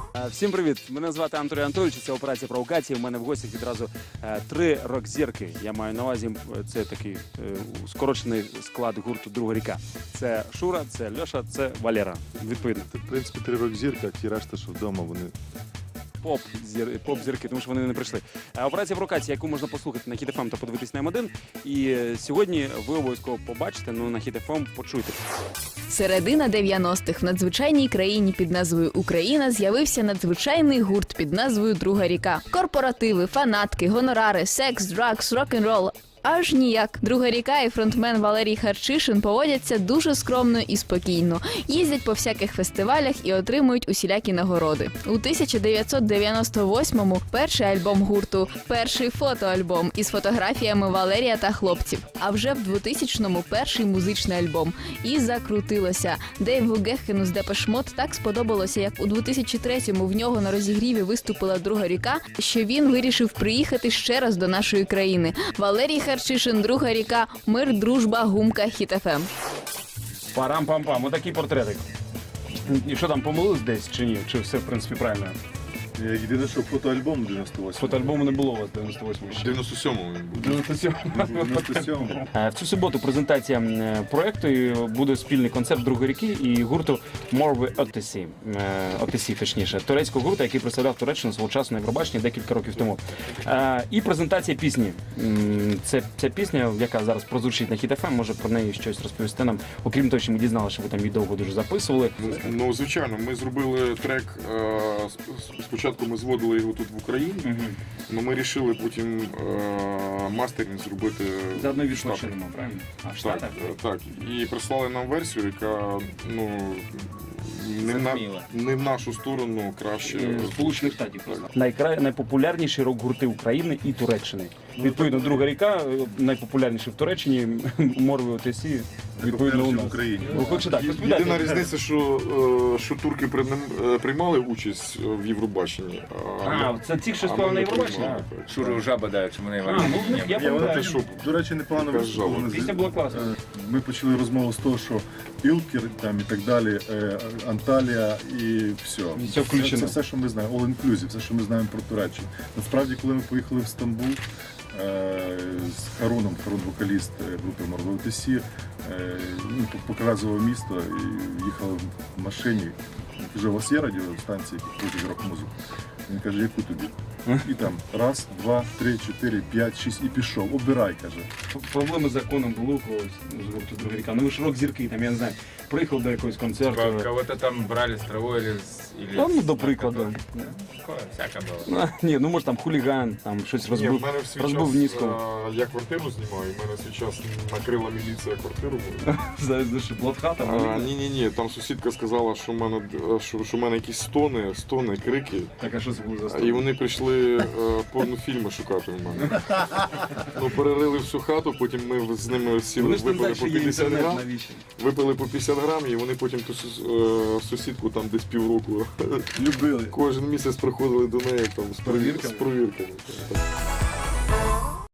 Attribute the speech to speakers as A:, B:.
A: Всім привіт! Мене звати Анатолій Анатолійович, це операція провокації. У мене в гостях відразу 3 рок-зірки. Я маю на увазі, це такий скорочений склад гурту «Друга ріка». Це Шура, це Льоша, це Валера. Відповідно.
B: В принципі, 3 рок-зірки, а ті решта, що вдома, вони... Поп-зірки, тому що вони не прийшли. Операція провокації, яку можна послухати на Hit FM та подивитись на М1. І сьогодні ви обов'язково побачите, на Hit FM почуйте.
C: Середина 90-х в надзвичайній країні під назвою Україна з'явився надзвичайний гурт під назвою «Друга ріка». Корпоративи, фанатки, гонорари, секс, драгс, рок-н-рол. Аж ніяк. «Друга ріка» і фронтмен Валерій Харчишин поводяться дуже скромно і спокійно. Їздять по всяких фестивалях і отримують усілякі нагороди. У 1998-му перший альбом гурту, перший фотоальбом із фотографіями Валерія та хлопців. А вже в 2000-му перший музичний альбом. І закрутилося. Дейву Гехену з Депеш Мод так сподобалося, як у 2003-му в нього на розігріві виступила «Друга ріка», що він вирішив приїхати ще раз до нашої країни. Валерій Харчишин, «Друга ріка», мир, дружба, гумка, Hit FM.
A: Парам-пам-пам, отакий портретик. І що там, помилились десь чи ні? Чи все, в принципі, правильно?
B: Єдине, що фотоальбом 98.
A: Фотоальбому не було у вас 98-му ще.
B: 97-му він був.
A: 97-му. В цю суботу презентація проєкту, і буде спільний концерт «Другої ріки» і гурту Morve Ötesi, точніше, турецького гурту, який представляв Туреччину свого часу на Євробаченні декілька років тому. І презентація пісні. Ця пісня, яка зараз прозвучить на Hit FM, може про неї щось розповісти нам, окрім того, що ми дізналися, що ви там її довго дуже записували.
D: Ну, звичайно, ми зробили трек, спочатку ми зводили його тут в Україні, але ми вирішили потім мастеринг зробити
A: Заодно
D: в
A: відпочинемо, правильно? А в
D: Так,
A: Штатах?
D: так. І прислали нам версію, яка, ну, не в нашу сторону краще.
A: Сполучених Штатів. Найпопулярніші рок-гурти України і Туреччини. Відповідно, «Друга ріка» найпопулярніші в Туреччині, Morve Ötesi, відповідно, у нас.
B: в Україні.
A: Хоче так,
D: Єдина різниця, що турки приймали участь в Євробаченні.
A: Це ті, що спали на Євробаченні?
E: Шуру жаба дають, що вони
A: Я
B: Я
A: пам'ятаю.
B: До речі, непогано
D: Така
B: вийшло.
D: жаба.
A: Пісня була класна.
B: Ми почали розмову з того, що Ілкер там і так далі, Анталія і все.
A: І все включено.
B: Це все, що ми знаємо, all inclusive, все, що ми знаємо про Туреччину. Насправді, коли ми поїхали в Стамбул з Харуном, Харун вокаліст групи Morve Ötesi, показував місто і їхали в машині. Він каже, у вас є радіостанції, які крутять рок-музику? Він каже, яку тобі? І там раз, два, три, чотири, п'ять, шість і пішов. Обирай, каже.
A: Проблеми з законом були у когось з гурту «Друга ріка». Ну ви ж рок-зірки, там, я не знаю, приїхав до якогось концерту.
E: Кого-то там брали с травой или...
A: Ну, до прикладу.
E: Такое всяко было.
A: Ні, ну може там хуліган, там щось
D: Ні, в
A: розбив,
D: мене в свій
A: розбив
D: час,
A: низько.
D: я квартиру знімаю, і в мене в свій час накрила міліція квартиру мою.
A: Знаєш, блатхата.
D: Ні, там сусідка сказала, що в мене якісь стони, крики.
A: Так, а що це було за
D: І
A: сторону?
D: вони прийшли порнофільми шукати в мене. Ну, перерили всю хату, потім ми з ними сіли,
A: Вони ж не
D: випили
A: знають,
D: по
A: що є
D: 50
A: інтернет,
D: грам.
A: навіщо?
D: Випили по 50 грам, і вони потім ту сусідку там десь півроку
B: Любили.
D: кожен місяць приходили до неї там з
A: перевірками?
D: з провірками.